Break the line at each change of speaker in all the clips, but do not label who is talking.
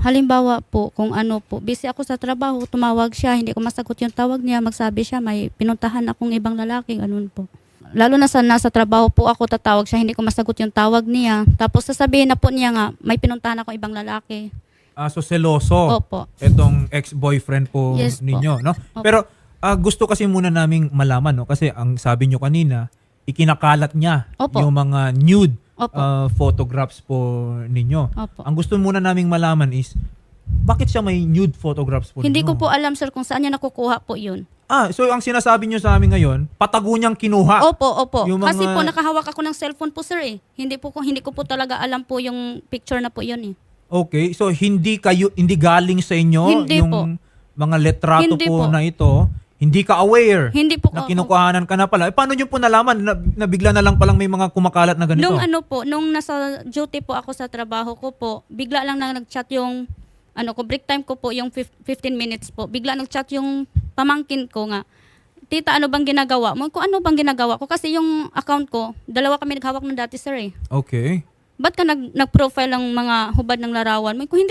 Halimbawa po, kung ano po, busy ako sa trabaho, tumawag siya, hindi ko masagot yung tawag niya, magsabi siya, may pinuntahan akong ibang lalaki, ganun po. Lalo na sa nasa trabaho po ako, tatawag siya, hindi ko masagot yung tawag niya. Tapos sasabihin na po niya nga, may pinuntahan akong ibang lalaki.
So seloso
Opo.
itong ex-boyfriend po
Yes po.
ninyo, no?
Opo.
Pero gusto kasi muna naming malaman, no? Kasi ang sabi nyo kanina, ikinakalat niya
Opo.
yung mga nude
Opo.
photographs po ninyo.
Opo.
Ang gusto muna naming malaman is, bakit siya may nude photographs po
Hindi
ninyo?
ko po alam, sir, kung saan niya nakukuha po yun.
So ang sinasabi nyo sa amin ngayon, patago niyang kinuha.
Opo.
Yung
Kasi
mga-
po nakahawak ako ng cellphone po, sir eh. Hindi ko po talaga alam po yung picture na po yun eh.
Okay, so hindi galing sa inyo
Hindi
yung
po.
mga letrato
Hindi
po
po.
na ito. Hindi ka aware
Hindi po
na
ako-
kinukuhanan ka na pala. Paano nyo po nalaman na bigla na lang palang may mga kumakalat na ganito?
Nung ano po, nung nasa duty po ako sa trabaho ko po, bigla lang na nag-chat yung break time ko po, yung 15 minutes po. Bigla nag-chat yung pamangkin ko nga, tita, ano bang ginagawa mo? Kung ano bang ginagawa ko? Kasi yung account ko, dalawa kami naghawak ng dati, sir eh.
Okay.
Ba't ka nag-profile ng mga hubad ng larawan mo? Kung hindi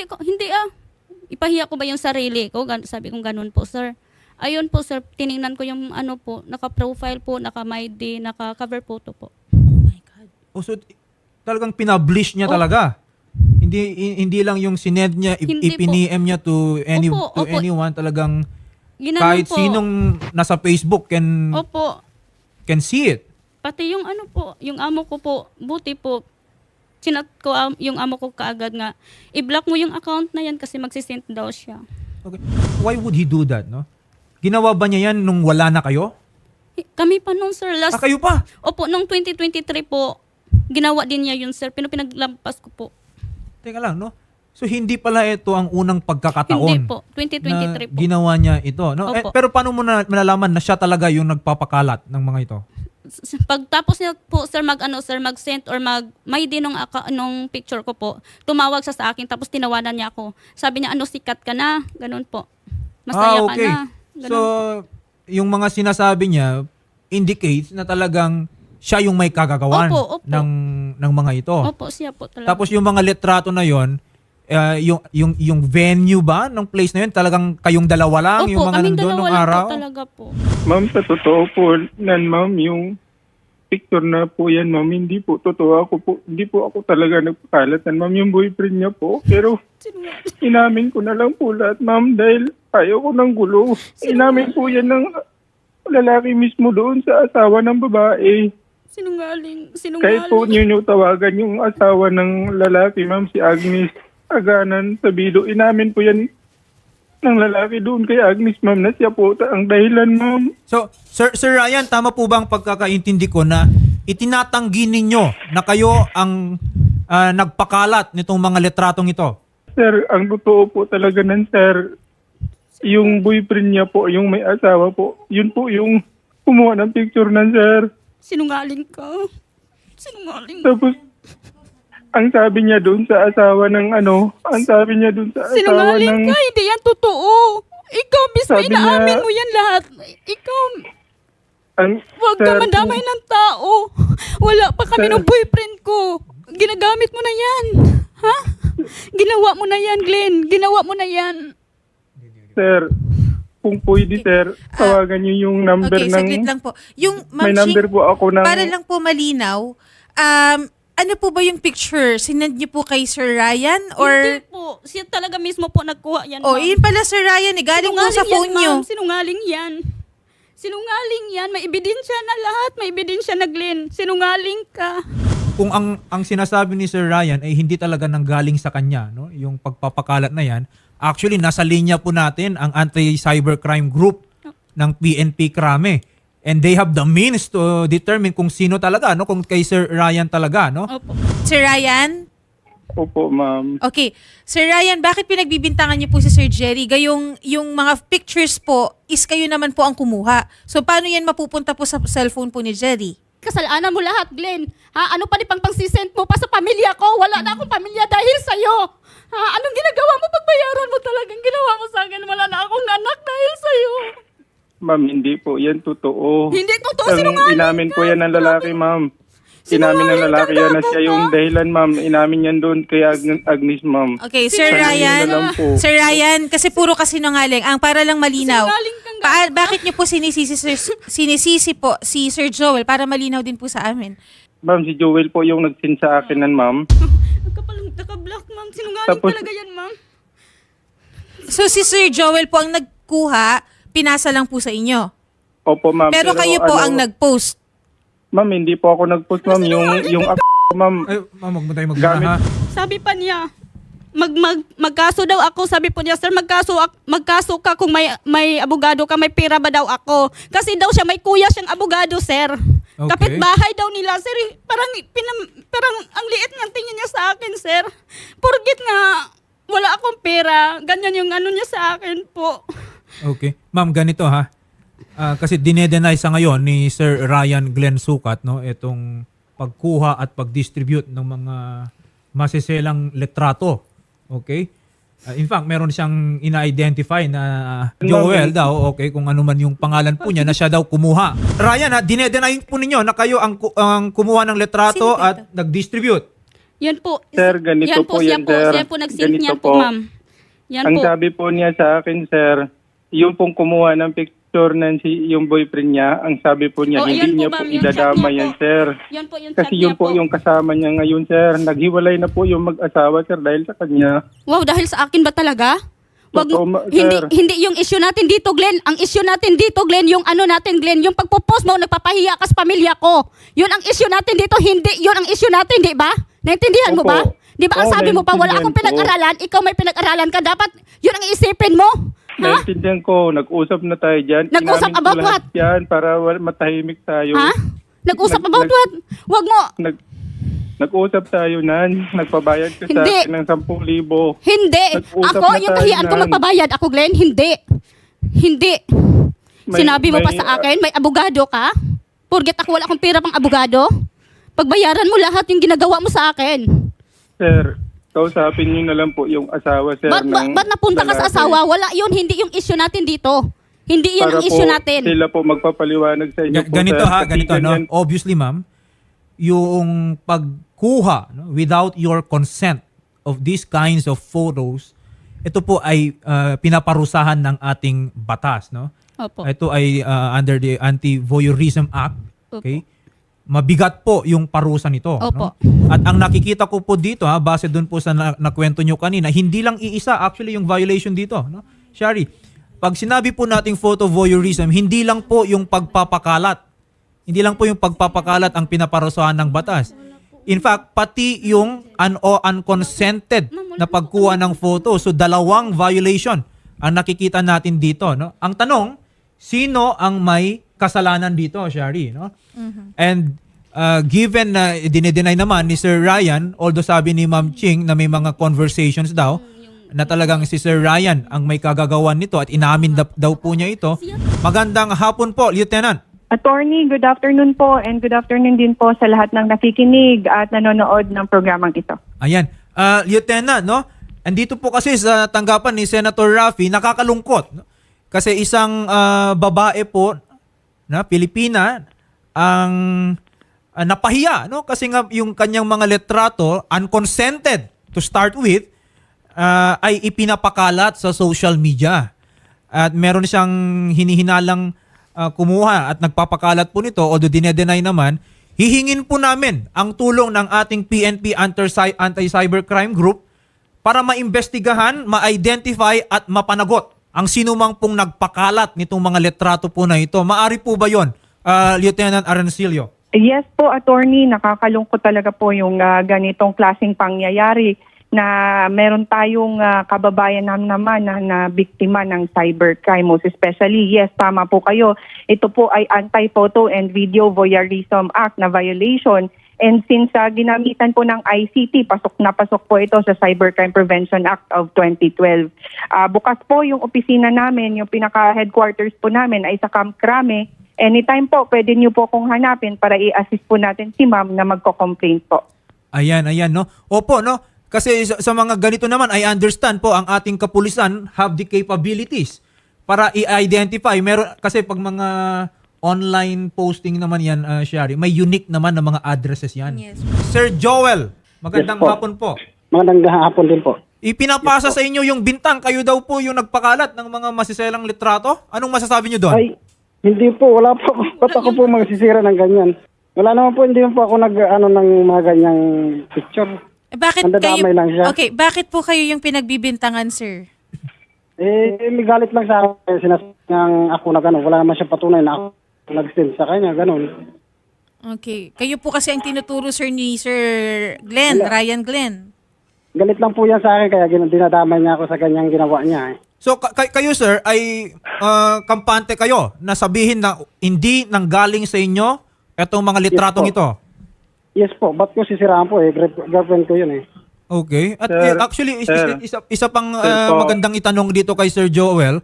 ipahiya ko ba yung sarili ko? Sabi kong ganun po, sir. Ayun po, sir, tiningnan ko yung naka-profile po, naka-MyD, naka-cover photo po.
So talagang pinablish niya talaga. Hindi lang yung sinend niya,
Hindi po.
ipiniem niya to
Opo.
anyone, talagang
Ginanon
kahit
po.
sinong nasa Facebook
Opo.
can see it.
Pati yung yung amo ko po, buti po, chinat ko yung amo ko kaagad nga, i-block mo yung account na yan kasi magsisend daw siya.
Okay. Why would he do that, no? Ginawa ba niya yan nung wala na kayo?
Kami pa nung sir,
Kayo pa?
Opo, nung 2023 po, ginawa din niya yun sir, pinaglampas ko po.
Teka lang, no? So hindi pala ito ang unang pagkakataon
Hindi po, 2023
na
po.
ginawa niya ito, no?
Opo.
Pero paano mo malalaman na siya talaga yung nagpapakalat ng mga ito?
Pagtapos niya po sir mag-send or may din nung picture ko po, tumawag siya sa akin tapos tinawanan niya ako. Sabi niya, sikat ka na, ganun po. Masaya
okay.
ka na. Ganun.
So yung mga sinasabi niya indicates na talagang siya yung may kagagawan
Opo.
ng mga ito.
Opo, siya po talaga.
Tapos yung mga litrato na yon, yung venue ba ng place na yun, talagang kayong dalawa lang,
Opo,
yung mga
kaming
nandun
dalawa
nung
lang
araw?
po talaga po.
Ma'am, sa totoo po, ma'am, yung picture na po yan, ma'am, hindi po totoo. Hindi po ako talaga nagpakalatan, ma'am, yung boyfriend niya po. Pero inamin ko na lang po lahat, ma'am, dahil ayaw ko ng gulo. Inamin po yan ng lalaki mismo doon sa asawa ng babae.
Sinungaling.
Kahit po niyo tawagan yung asawa ng lalaki, ma'am, si Agnes Aganan Sabido. Inamin po yan ng lalaki doon kay Agnes, ma'am, na siya po ang dahilan, ma'am.
So, Sir Ryan, tama po ba ang pagkakaintindi ko na itinatanggi ninyo na kayo ang nagpakalat nitong mga litratong ito?
Sir, ang totoo po talaga nan, sir, yung boyfriend niya po, yung may asawa po, yun po yung kumuha ng picture nan, sir.
Sinungaling ka. Sinungaling.
Tapos, ang sabi niya doon sa asawa ng ang sabi niya doon sa asawa
Sinungaling
ng...
ka. Hindi yan totoo. Ikaw, mismo
Sabi
inaamin
niya-
mo yan lahat. Ikaw, huwag ka
sir,
mandamay ng tao. Wala pa kami
Sir.
ng boyfriend ko. Ginagamit mo na yan. Ha? Ginawa mo na yan, Glenn. Ginawa mo na yan.
Sir, kung pwede, sir, tawagan niyo yung number
Okay,
ng...
saglit lang po. Yung
May
Ma'am
number
Ching,
po ako ng...
para lang po malinaw, ano po ba yung picture? Sinend niyo po kay Sir Ryan? Or,
Hindi po. Siya talaga mismo po nagkuha yan,
oh,
ma'am.
yun pala Sir Ryan, galing po sa
Sinungaling
phone
yan,
niyo.
ma'am. Sinungaling yan. Sinungaling yan. May ebidensya na lahat. May ebidensya na, Glenn. Sinungaling ka.
Kung ang sinasabi ni Sir Ryan ay hindi talaga nanggaling sa kanya, no? Yung pagpapakalat na yan, actually nasa linya po natin ang anti-cybercrime group ng PNP Krame. And they have the means to determine kung sino talaga, no? Kung kay Sir Ryan talaga, no?
Opo.
Sir Ryan?
Opo, ma'am.
Okay. Sir Ryan, bakit pinagbibintangan niyo po si Sir Jerry? Yung mga pictures po, is kayo naman po ang kumuha. So, paano yan mapupunta po sa cellphone po ni Jerry?
Kasalanan mo lahat, Glenn. Ha? Ano pa ni pangsisend mo pa sa pamilya ko? Wala na akong pamilya dahil sa'yo. Ha? Anong ginagawa mo? Pagbayaran mo talagang ginawa mo sa akin. Wala na akong anak dahil sa'yo.
Ma'am, hindi po yan totoo.
Hindi totoo,
Ang
sinungaling
inamin
ka.
po yan ng lalaki, ma'am. Inamin ng lalaki yan na
Sinungaling
siya
ka
yung
ba?
dahilan, ma'am. Inamin yan doon kay Agnes, ma'am.
Okay, Sir
Sabihin
Ryan.
na lang po.
Sir Ryan, kasi puro kasinungaling. Ang para lang malinaw.
Sinungaling kang
Bakit niyo po sinisisi po si Sir Joel para malinaw din po sa amin?
Ma'am, si Joel po yung nag-send sa akin nan, ma'am.
Naka-block, ma'am. Sinungaling
Tapos-
talaga yan, ma'am.
So si Sir Joel po ang nagkuha, pinasa lang po sa inyo.
Opo, ma'am.
Pero kayo po ang nag-post.
Ma'am, hindi po ako nag-post, ma'am. Yung ma'am.
Ay, ma'am, huwag mo tayo magmana
Gamit-
ha.
Sabi pa niya, magkaso daw ako. Sabi po niya, sir, magkaso ka kung may abogado ka, may pera ba daw ako. Kasi daw siya, may kuya siyang abogado, sir.
Okay.
Kapitbahay daw nila, sir. Parang ang liit ng tingin niya sa akin, sir. Porgit nga, wala akong pera. Ganyan yung ano niya sa akin po.
Okay. Ma'am, ganito ha. Kasi dinedenay sa ngayon ni Sir Ryan Glenn Sukat, no, itong pagkuha at pag-distribute ng mga masiselang letrato. Okay? In fact, meron siyang ina-identify na Joel daw, okay, kung ano man yung pangalan po niya, na siya daw kumuha. Ryan, ha, dinedenay po ninyo na kayo ang kumuha ng letrato
Sino
at nag-distribute.
Yan po.
Sir, ganito po yan, sir.
Siya po nag-send
Ganito
niyan po,
po.
ma'am. Yan
Ang
po.
sabi po niya sa akin, sir, yung pong kumuha ng picture ng yung boyfriend niya, ang sabi po niya,
Oh,
hindi
yan po,
niya po
ma'am, yung
idadama
chat niya
yan,
po.
sir.
Yan po yung
Kasi
chat
yun
niya
po yung kasama niya ngayon, sir. Naghiwalay na po yung mag-asawa, sir, dahil sa kanya.
Wow, dahil sa akin ba talaga? Wag,
Totoo,
hindi
sir.
hindi yung issue natin dito, Glenn. Ang issue natin dito, Glenn, yung ano natin, Glenn, yung pagpo-post mo nagpapahiya ka sa pamilya ko. Yun ang issue natin dito, hindi yun ang issue natin, di ba? Naintindihan mo
Opo.
ba? Di ba ang
Oo,
sabi mo pa, wala
naintindihan
akong
ko.
pinag-aralan, ikaw may pinag-aralan ka, dapat yun ang iisipin mo. Ha?
Naintindihan ko, nag-usap na tayo dyan.
Nag-usap
Inamin ko
about
lahat
what?
Yan para matahimik tayo.
Ha? Nag-usap
Nag-
about
nag-
what? Wag mo.
Nag-usap tayo nan. Nagpabayad ka sa
Hindi.
akin ng 10,000.
Hindi.
Nag-usap
Ako,
na
yung
tayo
kahiyan ko
nan.
magpabayad. Ako, Glenn, hindi. Hindi. Sinabi mo pa
may-
sa akin, may abogado ka? Porget ako, wala akong pera pang abogado? Pagbayaran mo lahat yung ginagawa mo sa akin.
Sir, kausapin niyo na lang po yung asawa, sir.
Ba't napunta ka sa
lalaki.
asawa? Wala yun, hindi yung issue natin dito. Hindi yun
Para
ang issue
po
natin.
sila po magpapaliwanag sa inyo po,
Ganito
sir.
ha,
Kasi
ganito, no?
ganyan-
Obviously, ma'am, yung pagkuha, no, without your consent of these kinds of photos, ito po ay pinaparusahan ng ating batas, no?
Opo.
Ito ay under the Anti-Voyeurism Act, okay? Mabigat po yung parusa nito,
Opo.
no? At ang nakikita ko po dito, ha, base doon po sa nakwento nyo kanina, hindi lang iisa actually yung violation dito, no? Shari, pag sinabi po nating photo voyeurism, hindi lang po yung pagpapakalat. Hindi lang po yung pagpapakalat ang pinaparusahan ng batas. In fact, pati yung unconsented na pagkuha ng photo. So, dalawang violation ang nakikita natin dito, no? Ang tanong, sino ang may kasalanan dito, Shari, no? And given na dinedeny naman ni Sir Ryan, although sabi ni Ma'am Ching na may mga conversations daw, na talagang si Sir Ryan ang may kagagawan nito at inamin daw po niya ito. Magandang hapon po, Lieutenant.
Attorney, good afternoon po and good afternoon din po sa lahat ng nakikinig at nanonood ng programang ito.
Ayan. Lieutenant, no? Andito po kasi sa tanggapan ni Senator Raffy, nakakalungkot. No? Kasi isang babae po na Pilipina ang napahiya, no? Kasi nga yung kanyang mga letrato, unconsented to start with, ay ipinapakalat sa social media. At meron siyang hinihinalang kumuha at nagpapakalat po nito, although dinedenay naman, hihingin po namin ang tulong ng ating PNP Anti-Cybercrime Group para maimbestigahan, ma-identify at mapanagot ang sinumang pong nagpakalat nitong mga letrato po na ito. Maari po ba yon, Lieutenant Arancilio?
Yes po, attorney, nakakalungkot talaga po yung ganitong klaseng pangyayari na meron tayong kababayan naman na biktima ng cybercrime. Most especially, yes, tama po kayo. Ito po ay Anti-Photo and Video Voyeurism Act na violation. And since ginamitan po ng ICT, pasok na pasok po ito sa Cybercrime Prevention Act of 2012. Bukas po yung opisina namin, yung pinaka-headquarters po namin ay sa Camp Crame. Anytime po, pwede niyo po kung hanapin para i-assist po natin si ma'am na magko-complaint po.
Ayan, no? Opo, no? Kasi sa mga ganito naman, I understand po, ang ating kapulisan have the capabilities para i-identify. Meron, kasi pag mga online posting naman yan, Shari. May unique naman na mga addresses yan.
Yes.
Sir Joel, magandang
Yes po.
hapon po.
Magandang hapon din po.
Ipinapasa sa inyo yung bintang. Kayo daw po yung nagpakalat ng mga masiselang litrato. Anong masasabi nyo doon?
Ay, hindi po. Wala po. Ba't ako po magsisira ng ganyan? Wala naman po. Hindi po ako ng mga ganyang picture.
Bakit kayo?
Nandadamay lang siya.
Okay, bakit po kayo yung pinagbibintangan, sir?
May galit lang sa akin. Sinasayang ako na gano'n. Wala naman siya patunay na ako nag-send sa kanya. Gano'n.
Okay. Kayo po kasi ang tinuturo, sir, ni Sir Glenn, Ryan Glenn.
Galit lang po yan sa akin. Kaya dinadamay niya ako sa ganyang ginawa niya.
So kayo sir ay kampante kayo na sabihin na hindi nanggaling sa inyo etong mga litratong
Yes po.
ito.
Yes po. Ba't ko sisiraan po girlfriend ko yun
Okay. At
Sir,
actually
sir.
isa pang
Sir po.
magandang itanong dito kay Sir Joel.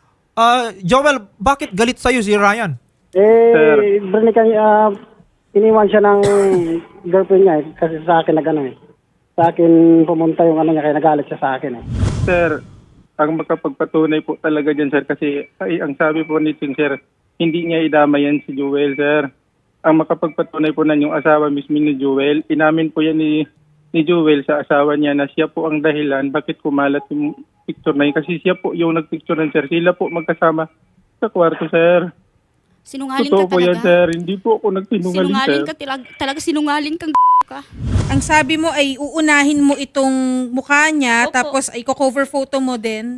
Joel, bakit galit sa si Ryan?
Sir.
Iniwan siya ng girlfriend niya kasi sa akin na gano'n Sa akin pumunta yung niya kaya nagalit siya sa akin
Sir, ang makapagpatunay po talaga dyan, sir, kasi ang sabi po ni Ting, sir, hindi niya idama yan si Joel, sir. Ang makapagpatunay po na yung asawa mismo ni Joel, inamin po yan ni Joel sa asawa niya na siya po ang dahilan bakit kumalat yung picture na yun. Kasi siya po yung nagpicture ng sir. Sila po magkasama sa kwarto, sir.
Sinungaling
Totoo
ka
po yan,
talaga.
sir. Hindi po ako nagsinungaling, sir.
Sinungaling ka talaga sinungaling kang ka.
Ang sabi mo ay uunahin mo itong mukha niya,
Opo.
tapos i-cover photo mo din.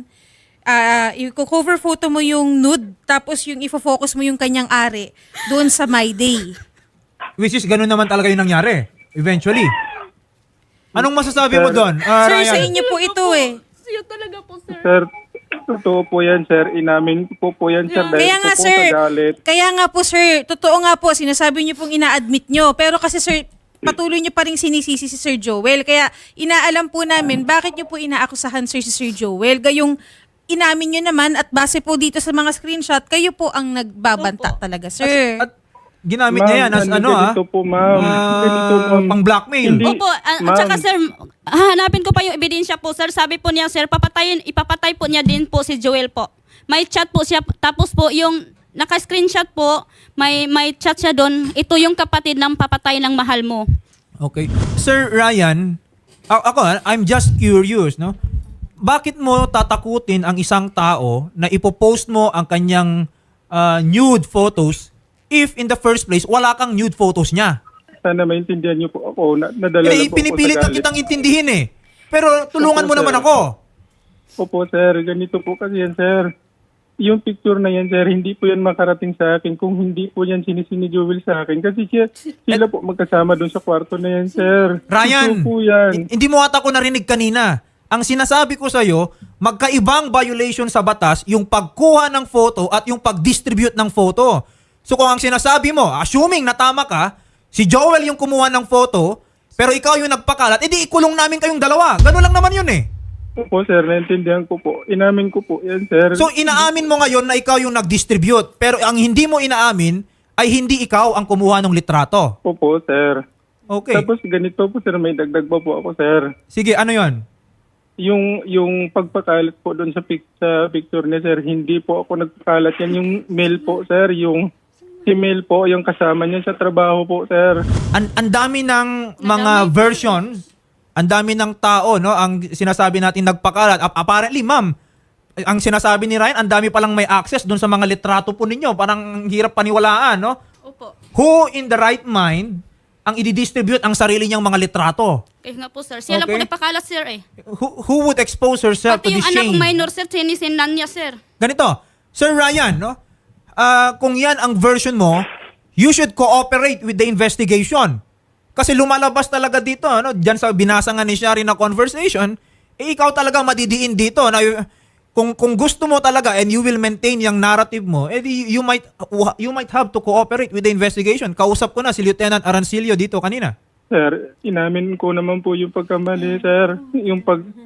I-cover photo mo yung nude, tapos yung ifo-focus mo yung kanyang ari doon sa My Day.
Which is ganun naman talaga yung nangyari eventually. Anong masasabi mo
Sir.
doon?
Sir,
Ryan?
sa inyo po ito eh.
Siya talaga po, sir.
Sir, totoo po yan, sir. Inamin ko po yan, sir. Dahil
Kaya nga
po
sir,
sa galit.
kaya nga po sir, totoo nga po, sinasabi niyo pong ina-admit niyo. Pero kasi sir, patuloy niyo pa rin sinisisi si Sir Joel. Kaya inaalam po namin, bakit niyo po inaakusahan sir si Sir Joel? Gayong inamin niyo naman at base po dito sa mga screenshot, kayo po ang nagbabanta talaga, sir.
At ginamit niya yan as
ganito po, ma'am. Ganito, ma'am.
pang blackmail.
Hindi.
Opo, at
Ma'am.
saka sir, hanapin ko pa yung ebidensya po, sir. Sabi po niya, sir, ipapatay po niya din po si Joel po. May chat po siya, tapos po yung naka-screenshot po, may chat siya doon. Ito yung kapatid ng papatay ng mahal mo.
Okay. Sir Ryan, I'm just curious, no? Bakit mo tatakutin ang isang tao na ipopost mo ang kanyang nude photos if in the first place wala kang nude photos niya?
Sana maintindihan niyo po ako. Nadala
Eh,
na po
pinipilit
ako
na
sa galit.
kitang intindihin eh. Pero tulungan mo
Opo, sir.
naman ako.
Opo, sir. Ganito po kasi yan, sir. Yung picture na yan, sir, hindi po yan makarating sa akin kung hindi po yan sinisini Joel sa akin. Kasi sila po magkasama doon sa kwarto na yan, sir.
Ryan,
Ito po yan.
hindi mo ata ko narinig kanina. Ang sinasabi ko sa'yo, magkaibang violation sa batas yung pagkuha ng photo at yung pag-distribute ng photo. So kung ang sinasabi mo, assuming na tama ka, si Joel yung kumuha ng photo, pero ikaw yung nagpakalat, edi ikulong namin kayong dalawa. Ganun lang naman yun eh.
Opo, sir. Naintindihan ko po. Inamin ko po yan, sir.
So inaamin mo ngayon na ikaw yung nag-distribute, pero ang hindi mo inaamin ay hindi ikaw ang kumuha ng litrato.
Opo, sir.
Okay.
Tapos ganito po, sir. May dagdag pa po ako, sir.
Sige, ano yon?
Yung pagpakalat po doon sa picture niya, sir, hindi po ako nagpakalat yan. Yung mail po, sir, yung email po, yung kasama niya sa trabaho po, sir.
Ang dami ng mga versions, ang dami ng tao, no, ang sinasabi natin nagpakalat. Apparently, ma'am, ang sinasabi ni Ryan, ang dami palang may access doon sa mga litrato po ninyo. Parang ang hirap paniwalaan, no?
Opo.
Who in the right mind ang i-distribute ang sarili niyang mga litrato?
Kaya nga po, sir. Siya lang po
Okay.
nagpakalat, sir eh.
Who would expose herself
Pati
to
yung
this
anak
shame?
kong minor, sir, sinisindan niya, sir.
Ganito, Sir Ryan, no? Kung yan ang version mo, you should cooperate with the investigation. Kasi lumalabas talaga dito, no? Diyan sa binasa nga ni Shari na conversation, ikaw talaga madidiin dito na kung gusto mo talaga and you will maintain yung narrative mo, you might have to cooperate with the investigation. Kausap ko na si Lieutenant Arancilio dito kanina.
Sir, inamin ko naman po yung pagkamali, sir. Yung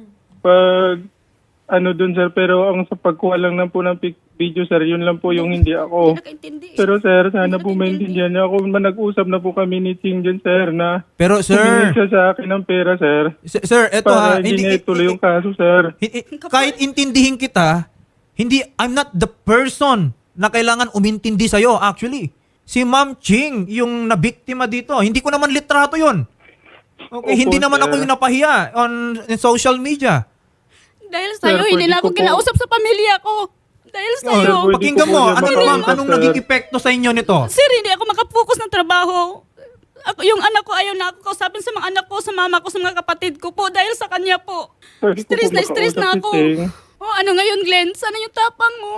doon, sir. Pero ang sa pagkuha lang na po ng video, sir, yun lang po yung hindi ako.
Hindi nakaintindi.
Pero, sir, sana po maintindihan niya ako. Nag-usap na po kami ni Ting dyan, sir, na
Pero
humingi
sir,
siya sa akin ng pera, sir.
sir, eto ha,
Para hindi niya ituloy yung kaso, sir.
kahit intindihin kita, I'm not the person na kailangan umintindi sa'yo actually. Si Ma'am Ching, yung nabiktima dito, hindi ko naman litrato yon. Okay,
Opo,
hindi naman
sir.
ako yung napahiya in social media.
Dahil sa'yo,
Sir,
hindi
pwede
na ako
ko po-
kinausap sa pamilya ko. Dahil
Oh,
sa'yo.
pwede
pakinggan
ko po
mo,
yan
anong
makausap,
anong
sir.
naging epekto sa inyo nito?
Sir, hindi ako makapokus ng trabaho. Yung anak ko, ayaw na ako kausapin sa mga anak ko, sa mama ko, sa mga kapatid ko po. Dahil sa kanya po.
Pwede ko po
Stress na
makausap
ako.
si Ching.
Oh, ano ngayon, Glenn? Sana yung tapang mo?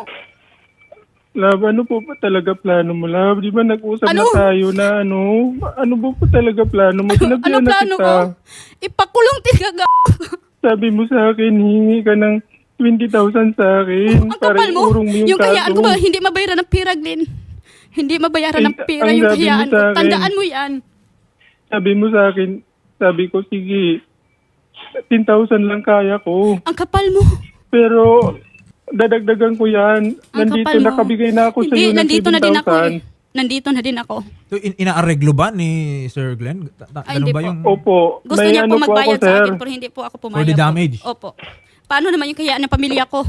Love, ano po ba talaga plano mo, Love? Di ba nag-usap
Ano?
na tayo na ano po ba talaga plano mo?
Ano
Sinabihan na
plano
kita.
ko? Ipakulong tigaga.
Sabi mo sa akin, hingi ka ng 20,000 sa akin.
Ang kapal mo.
iurong mo
Yung kahiyaan
kaso.
ko ba, hindi mabayaran ng pira, Glenn. Hindi mabayaran ng
Ay,
pira
ang
yung
sabi mo
kahiyaan ko.
sa akin.
Tandaan mo yan.
Sabi mo sa akin, sabi ko, sige, 10,000 lang kaya ko.
Ang kapal mo.
Pero, dadagdagan ko yan.
Ang
Nandito,
kapal mo.
nakabigay na ako sa
Hindi,
iyo ng
nandito na din ako.
7,000.
Nandito na din ako.
So, inaareglo ba ni Sir Glenn?
Ay,
Ganun
hindi
ba
po.
yung...
Opo.
Gusto
may
niya
ano
po magbayad
ako,
sa
sir.
akin pero hindi po ako pumayag.
For the damage?
Po. Opo. Paano naman yung kahiyaan ng pamilya ko?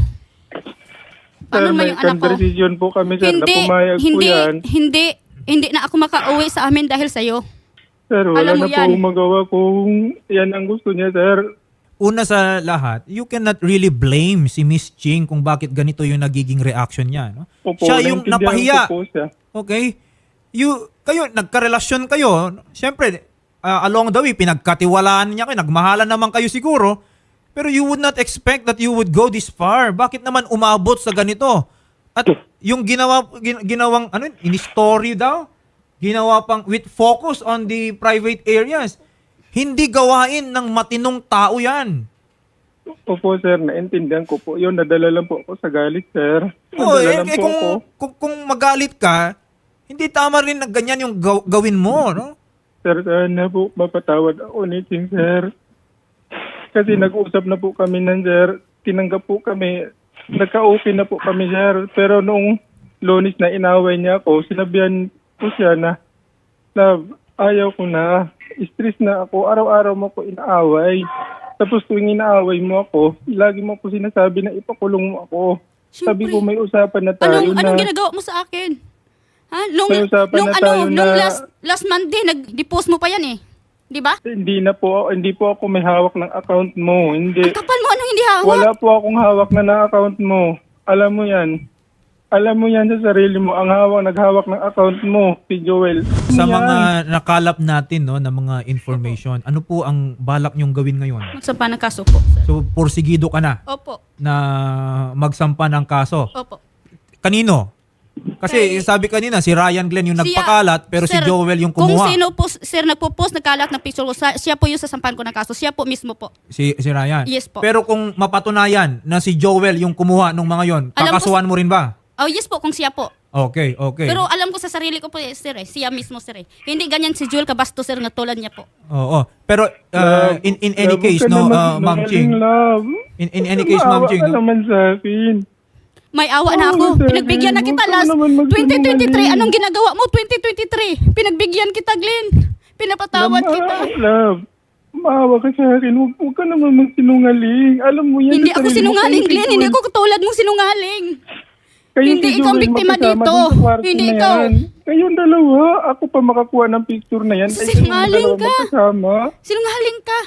Sir,
Paano naman
may
yung anak ko?
conversation po kami, sir, na
Hindi,
pumayag po
hindi,
yan.
hindi na ako makauwi sa amin dahil sa'yo.
Sir, wala
Alam mo
na po
yan.
magawa kung yan ang gusto niya, sir.
Una sa lahat, you cannot really blame si Miss Ching kung bakit ganito yung nagiging reaction niya. No?
Opo,
Siya yung
naintindihan
napahiya.
ko po siya.
Okay? Kayo, nagkarelasyon kayo. Siyempre, along the way, pinagkatiwalaan niya kayo. Nagmahalan naman kayo siguro. Pero you would not expect that you would go this far. Bakit naman umabot sa ganito? At yung ginawang, in-story daw, ginawa pang with focus on the private areas. Hindi gawain ng matinong tao yan.
Opo, sir, naintindihan ko po. Yun, nadala lang po ako sa galit, sir.
Oh,
Nadala lang po ako.
kung magalit ka, hindi tama rin na ganyan yung gawin mo, no?
Sir, sana po mapatawad ako ni Ching, sir. Kasi nag-usap na po kami nan, sir. Tinanggap po kami. Nagka-okay na po kami, sir. Pero nung Lunes na inaway niya ako, sinabihan ko siya na, Love, ayaw ko na. Stress na ako. Araw-araw mo ako inaaway. Tapos tuwing inaaway mo ako, lagi mo ako sinasabi na ipakulong mo ako. Sabi
Siyempre.
ko may usapan na tayo
Anong
na...
ginagawa mo sa akin? Ha? Nung
May usapan na tayo
nung
na-
last Monday, nag-depost mo pa yan eh. Di ba?
Hindi po ako may hawak ng account mo. Hindi.
Ang kapal mo, anong hindi hawak?
Wala po akong hawak na account mo. Alam mo yan. Alam mo yan sa sarili mo. Ang naghawak ng account mo, si Joel.
Sa
Yan.
mga nakalap natin, no, na mga information, ano po ang balak nyong gawin ngayon?
Magsampa ng kaso po, sir.
So, porsigido ka na
Opo.
na magsampa ng kaso.
Opo.
Kanino? Kasi sabi kanina, si Ryan Glenn yung
Siya-
nagpakalat, pero si
Sir,
Joel yung
Kung
kumuha.
sino po, sir, nagpo-post, nagkalat ng picture ko, siya po yung sasampan ko ng kaso. Siya po mismo po.
Si Ryan.
Yes po.
Pero kung mapatunayan na si Joel yung kumuha nung mga yon,
Alam ko-
kakasuhan mo rin ba?
Oh, yes po, kung siya po.
Okay.
Pero alam ko sa sarili ko po, sir, siya mismo, sir. Hindi ganyan si Joel Cabasto, sir, na tulad niya po.
Oo. Pero
Love,
in any
love,
case,
huwag ka
no,
naman
Ma'am Ching.
sinungaling, love.
In any case, Ma'am
Maawa
Ching,
ka
no?
naman sa akin.
May awa na
Oo,
ako.
sir,
Pinagbigyan na kita
huwag ka
last
naman magsinungaling.
2023. Anong ginagawa mo 2023? Pinagbigyan kita, Glenn. Pinapatawad kita.
Love, maawa ka sa akin. Huwag ka naman magsinungaling. Alam mo yan.
Hindi
sa
ako
sarili mo,
sinungaling,
kayo si
Glenn. Hindi
Joel.
ako katulad mong sinungaling.
Kayo
Hindi
si
ikaw ang
Joel
biktima
magkasama
dito.
dun sa kwarto
Hindi
na
ikaw.
yan. Kayong dalawa, ako pa makakuha ng picture na yan. Kayo
Sinungaling
dalawa
ka.
magkasama.
Sinungaling ka.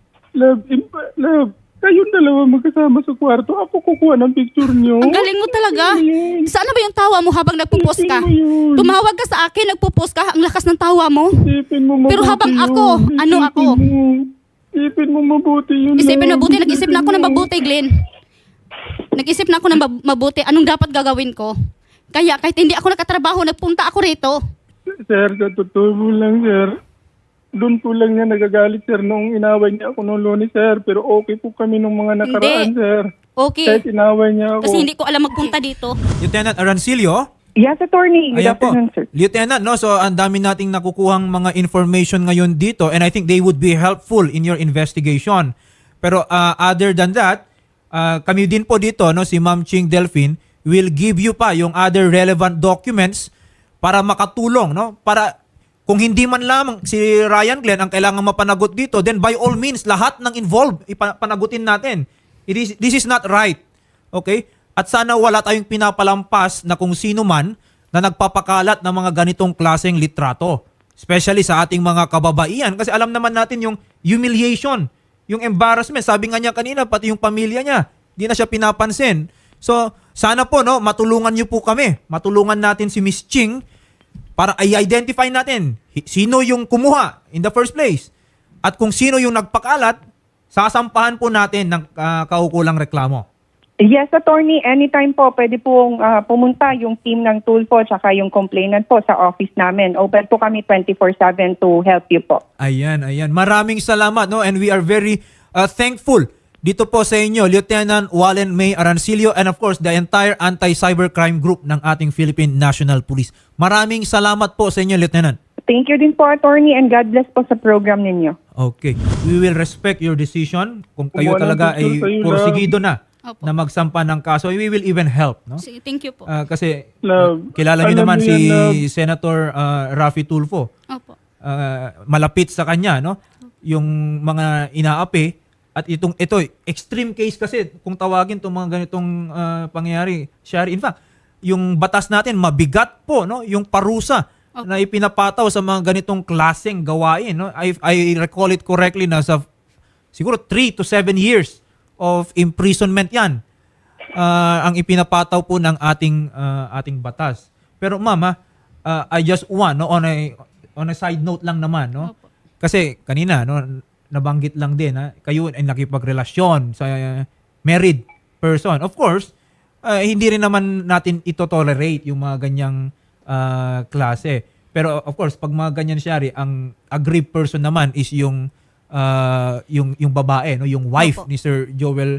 Love, kayong dalawa magkasama sa kwarto. Ako kukuha ng picture nyo.
Ang galing mo talaga. Saan na ba yung tawa mo habang nagpo-post ka?
Isipin mo yun.
Tumawag ka sa akin, nagpo-post ka. Ang lakas ng tawa mo.
Isipin mo mabuti
Pero habang
yun.
ako, ano
Isipin
ako?
mo. Isipin mo mabuti yun.
Isipin
love.
mabuti. Nag-isip na ako ng
Isipin mo.
mabuti, Glenn. Nag-isip na ako ng mabuti. Anong dapat gagawin ko? Kaya kahit hindi ako nakatrabaho, nagpunta ako rito.
Sir, sa totoo mo lang, sir. Doon po lang niya nagagalit, sir, nung inaway niya ako noong Lunes, sir. Pero okay po kami nung mga nakaraan,
Hindi.
sir.
Okay.
Kahit inaway niya ako.
Kasi hindi ko alam magpunta dito.
Lieutenant Arancilio?
Yes, attorney. Good
Ayan po.
afternoon, sir.
Lieutenant, no? So, ang dami nating nakukuhang mga information ngayon dito and I think they would be helpful in your investigation. Pero other than that, kami din po dito, no, si Ma'am Ching Delphine will give you pa yung other relevant documents para makatulong, no? Para kung hindi man lamang si Ryan Glenn ang kailangan mapanagot dito, then by all means, lahat ng involved, ipanagutin natin. This is not right. Okay? At sana wala tayong pinapalampas na kung sino man na nagpapakalat ng mga ganitong klaseng litrato. Especially sa ating mga kababaihan. Kasi alam naman natin yung humiliation, yung embarrassment. Sabi nga niya kanina, pati yung pamilya niya, di na siya pinapansin. So, sana po, no, matulungan niyo po kami. Matulungan natin si Miss Ching para i-identify natin sino yung kumuha in the first place. At kung sino yung nagpakalat, sasampahan po natin ng kaukulang reklamo.
Yes, attorney, anytime po pwede pong pumunta yung team ng Tulfo tsaka yung complainant po sa office namin. Open po kami 24/7 to help you po.
Ayan. Maraming salamat, no? And we are very thankful dito po sa inyo, Lieutenant Wallen May Arancilio, and of course, the entire anti-cybercrime group ng ating Philippine National Police. Maraming salamat po sa inyo, Lieutenant.
Thank you din po, attorney, and God bless po sa program ninyo.
Okay. We will respect your decision. Kung kayo
Walang
talaga ay
gusto sa'yo,
porsigido na
Opo.
na magsampa ng kaso, we will even help, no?
Thank you po.
Kasi
Love,
kilala niyo
alam
naman
mo
si
yan, love.
Senator Raffy Tulfo.
Opo.
Malapit sa kanya, no? Yung mga inaapi at ito extreme case kasi kung tawagin itong mga ganitong pangyayari, Shari. In fact, yung batas natin mabigat po, no? Yung parusa na ipinapataw sa mga ganitong klaseng gawain, no? I recall it correctly na sa siguro 3 to 7 years of imprisonment 'yan. Ang ipinapataw po ng ating batas. Pero mama, I just want, no, on a side note lang naman, no?
Opo.
Kasi kanina, no, nabanggit lang din, kayo ay nakipagrelasyon sa married person. Of course, hindi rin naman natin ito tolerate yung mga ganyang klase. Pero of course, pag mga ganyan, Shari, ang aggrieved person naman is yung babae, no, yung wife
Opo.
ni Sir Joel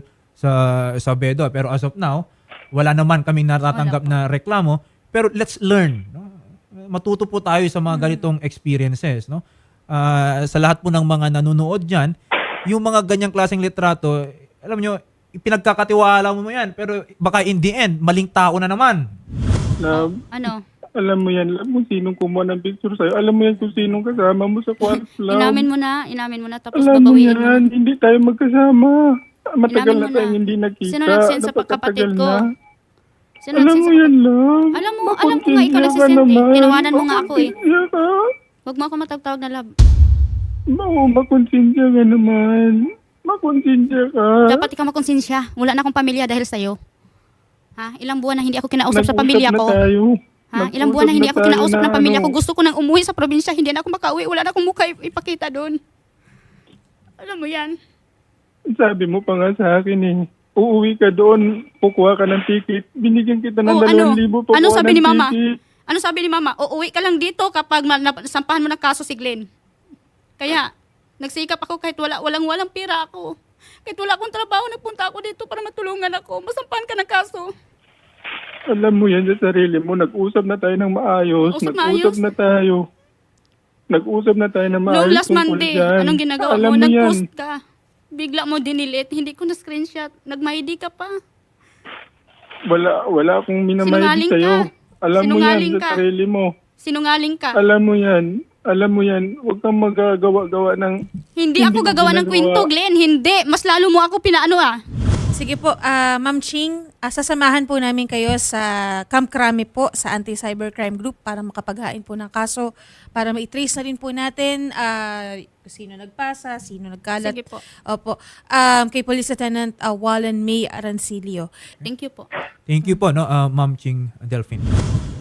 sa Bedo. Pero as of now, wala naman kaming natatanggap na reklamo. Pero let's learn, no? Matuto po tayo sa mga ganitong experiences, no? Sa lahat po ng mga nanonood diyan, yung mga ganyang klaseng litrato, alam nyo, pinagkakatiwala mo yan, pero baka in the end, maling tao na naman.
Love,
Ano?
alam mo yan, love, kung sinong kumuha ng picture sa'yo. Alam mo yan kung sinong kasama mo sa kwarto, love.
Inamin mo na tapos
Alam mo
babawiin mo.
yan, hindi tayo magkasama. Matagal
Inamin
na
mo
tayong
na.
hindi nakita.
Sino nagsin sa
Napakatagal
kapatid ko?
na.
Sino
Alam
nagsin
mo
sa-
yan, love.
Alam mo nga ikaw
Makonsensya ka
nagsisend eh.
naman.
Tinawanan mo nga ako eh.
Makonsensya ka.
Huwag mo ako matagtawag na love.
Oo, makonsensya ka naman. Makonsensya ka.
Dapat ikaw makonsensya. Wala na akong pamilya dahil sa'yo. Ha? Ilang buwan na hindi ako kinausap sa
Nag-usap
pamilya
na
ko.
tayo.
Ha? Ilang buwan na hindi ako
Nag-usap
kinausap
tayo
ng pamilya
na
ko. Gusto ko nang umuwi sa probinsya. Hindi na ako makauwi. Wala na akong mukha ipakita doon. Alam mo yan.
Sabi mo pa nga sa akin eh. Uuwi ka doon, kukuha ka ng ticket. Binigyan kita ng
Oh, ano?
2,000 kukuha
Ano sabi
ng
ni mama?
ticket.
Ano sabi ni mama? Uuwi ka lang dito kapag sampahan mo ng kaso si Glenn. Kaya, nagsikap ako kahit walang pera ako. Kahit wala akong trabaho, nagpunta ako dito para matulungan ako. Masampahan ka ng kaso.
Alam mo yan sa sarili mo, nag-usap na tayo ng maayos.
Usap
Nag-usap
maayos?
na tayo. Nag-usap na tayo ng maayos.
Noong last
tungkol
Monday,
dyan.
anong ginagawa
Alam
mo?
yan.
Nag-post ka. Bigla mo dinilit. Hindi ko na-screenshot. Nag-MyD ka pa.
Wala akong minamayad
Sinungaling
sa'yo.
ka.
Alam mo yan
Sinungaling
sa
ka.
sarili mo.
Sinungaling ka.
Alam mo yan. Huwag kang magagawa-gawa ng...
Hindi ako
ko
gagawa ng
ginagawa.
kwento, Glenn. Hindi. Mas lalo mo ako pinaano ah.
Sige po, Ma'am Ching, sasamahan po namin kayo sa Camp Crame po sa Anti-Cybercrime Group para makapaghain po ng kaso, para ma-trace na rin po natin sino nagpasa, sino nagkalat.
Sige po.
Opo. Kay Police Lieutenant Wallen May Arancilio.
Thank you po.
Thank you po, no, Ma'am Ching Delphine.